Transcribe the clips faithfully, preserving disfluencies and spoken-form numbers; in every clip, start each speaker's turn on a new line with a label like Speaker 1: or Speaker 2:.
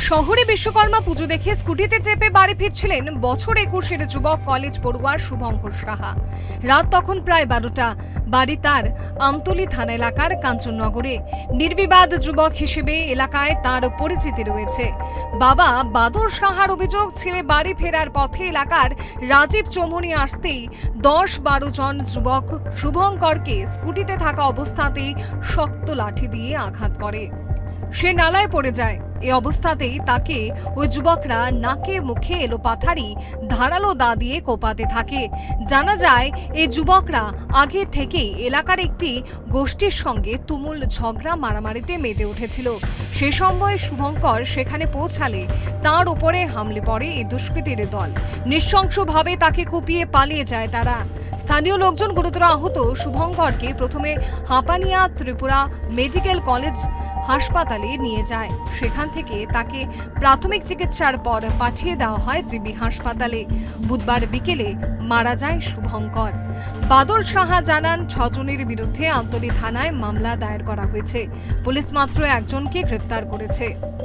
Speaker 1: শহরে বিশ্বকর্মা পুজো দেখে স্কুটিতে চেপে বাড়ি ফিরছিলেন বছর একুশের যুবক কলেজ পড়ুয়া শুভঙ্কর সাহা। রাত তখন প্রায় বারোটা। বাড়ি তার আমতলী থানা এলাকার কাঞ্চননগরে। নির্বিবাদ যুবক হিসেবে এলাকায় তার পরিচিতি রয়েছে। বাবা বাদল সাহার অভিযোগ, ছেলে বাড়ি ফেরার পথে এলাকার রাজীব চৌমনি আসতেই দশ বারো জন যুবক শুভঙ্করকে স্কুটিতে থাকা অবস্থাতেই শক্ত লাঠি দিয়ে আঘাত করে। সে নালায় পড়ে যায়। এই অবস্থাতেই তাকে ওই যুবকরা নাকে মুখে এলোপাথারি ধারালো দা দিয়ে কোপাতে থাকে। জানা যায় এই যুবকরা আগে থেকেই এলাকার একটি গোষ্ঠীর সঙ্গে তুমুল ঝগড়া মারামারিতে মেতে উঠেছিল। সে সময় শুভঙ্কর সেখানে পৌঁছালে তার উপরে হামলে পড়ে এই দুষ্কৃতীর দল। নৃশংসভাবে তাকে কুপিয়ে পালিয়ে যায় তারা। স্থানীয় লোকজন গুরুতর আহত শুভঙ্করকে প্রথমে হাঁপানিয়া ত্রিপুরা মেডিকেল কলেজ হাসপাতালে নিয়ে যায়। সেখান থেকে তাকে প্রাথমিক চিকিৎসার পর পাঠিয়ে দেওয়া হয় জিবি হাসপাতালে। বুধবার বিকেলে মারা যায় শুভঙ্কর। বাদল সাহা জানান, ছজনের বিরুদ্ধে আমতলী থানায় মামলা দায়ের করা হয়েছে। পুলিশ মাত্র একজনকে গ্রেপ্তার করেছে।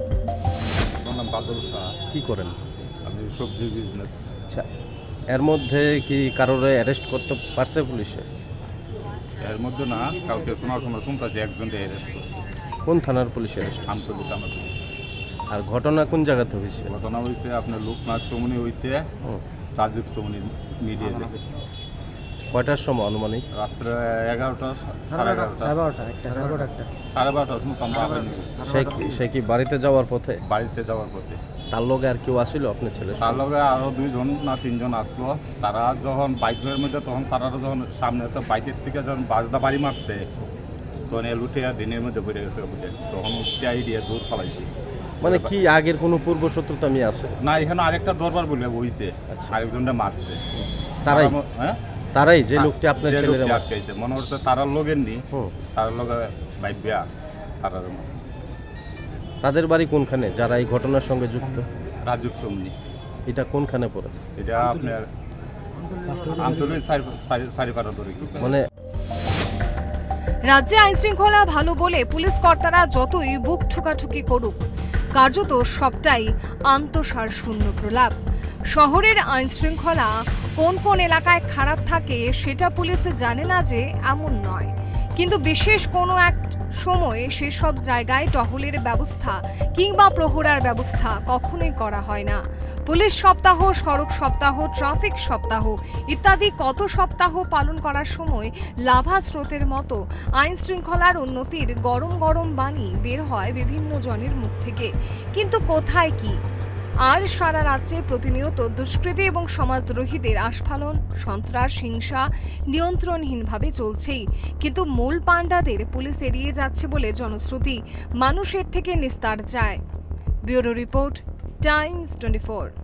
Speaker 2: বাদল সাহা
Speaker 3: কি করেন?
Speaker 2: আমি সবজি বিজনেস।
Speaker 3: আচ্ছা, এর মধ্যে কি কারোরে অ্যারেস্ট করতে পারছে পুলিশে?
Speaker 2: এর মধ্যে না, কালকে শোনার সময় শুনতেছি একজনকে অ্যারেস্ট করছে।
Speaker 3: কোন থানার পুলিশ অ্যারেস্ট?
Speaker 2: আমতলী থানা পুলিশ।
Speaker 3: আর ঘটনা কোন জায়গাতে হয়েছে?
Speaker 2: ঘটনা হয়েছে আপনার লোকনাথ চৌমনি হইতে রাজীব চৌমনি মিডিয়া যেতে।
Speaker 3: কয়টার সময় আনুমানিক?
Speaker 2: রাত্রে এগারোটা সাড়ে এগারোটা সাড়ে বারোটার সময় আমরা আবার
Speaker 3: সে কি সে কি বাড়িতে যাওয়ার পথে?
Speaker 2: বাড়িতে যাওয়ার পথে।
Speaker 3: তার লগে আর কেউ আসিল আপনার ছেলে?
Speaker 2: তার লগে আরো দুইজন না তিনজন আসলো। তারা যখন বাইকের মধ্যে তখন তারা যখন সামনে তো বাইকের থেকে যখন বাজদা বাড়ি মারছে তখন এ লুটে দিনের মধ্যে পড়ে গেছে উঠে, তখন উঠতে আইডিয়া দূর ফেলাইছি।
Speaker 3: মানে কি আগের কোনো পূর্ব শত্রুতা আমি আছে?
Speaker 2: না, এখানে আরেকটা দরবার বলে বইছে, আরেকজনটা মারছে।
Speaker 3: তারাই?
Speaker 2: হ্যাঁ,
Speaker 3: তারাই যে লোকটি আপনার ছেলের মারছে।
Speaker 2: মনে হচ্ছে তারার লোকের নি, তারার লোকে বাইবিয়া তারার মারছে।
Speaker 3: তাদের বাড়ি কোনখানে যারা এই ঘটনার সঙ্গে যুক্ত?
Speaker 2: রাজীব চৌমনি।
Speaker 3: এটা কোনখানে পড়ে?
Speaker 2: এটা আপনার আমতলী সারিপাড়া ধরে।
Speaker 3: মানে
Speaker 1: রাজ্যে আইন শৃঙ্খলা ভালো বলে পুলিশ কর্তারা যতই বুক ঠুকাঠুকি করুক, কার্যত সবটাই আন্তঃসার শূন্য প্রলাপ। শহরের আইন শৃঙ্খলা কোন কোন এলাকায় খারাপ থাকে সেটা পুলিশ জানে না যে এমন নয়, কিন্তু বিশেষ কোনো এক সময়ে সেসব জায়গায় টহলের ব্যবস্থা কিংবা প্রহরার ব্যবস্থা কখনোই করা হয় না। পুলিশ সপ্তাহ, সড়ক সপ্তাহ, ট্রাফিক সপ্তাহ ইত্যাদি কত সপ্তাহ পালন করার সময় লাভা স্রোতের মতো আইন শৃঙ্খলার উন্নতির গরম গরম বাণী বের হয় বিভিন্ন জনের মুখ থেকে, কিন্তু কোথায় কি? আর সারা রাজ্যে প্রতিনিয়ত দুষ্কৃতী এবং সমাজদ্রোহীদের আস্ফালন, সন্ত্রাস, হিংসা নিয়ন্ত্রণহীনভাবে চলছেই, কিন্তু মূল পাণ্ডাদের পুলিশ এড়িয়ে যাচ্ছে বলে জনশ্রুতি। মানুষের থেকে নিস্তার চায়। Bureau report, Times twenty four.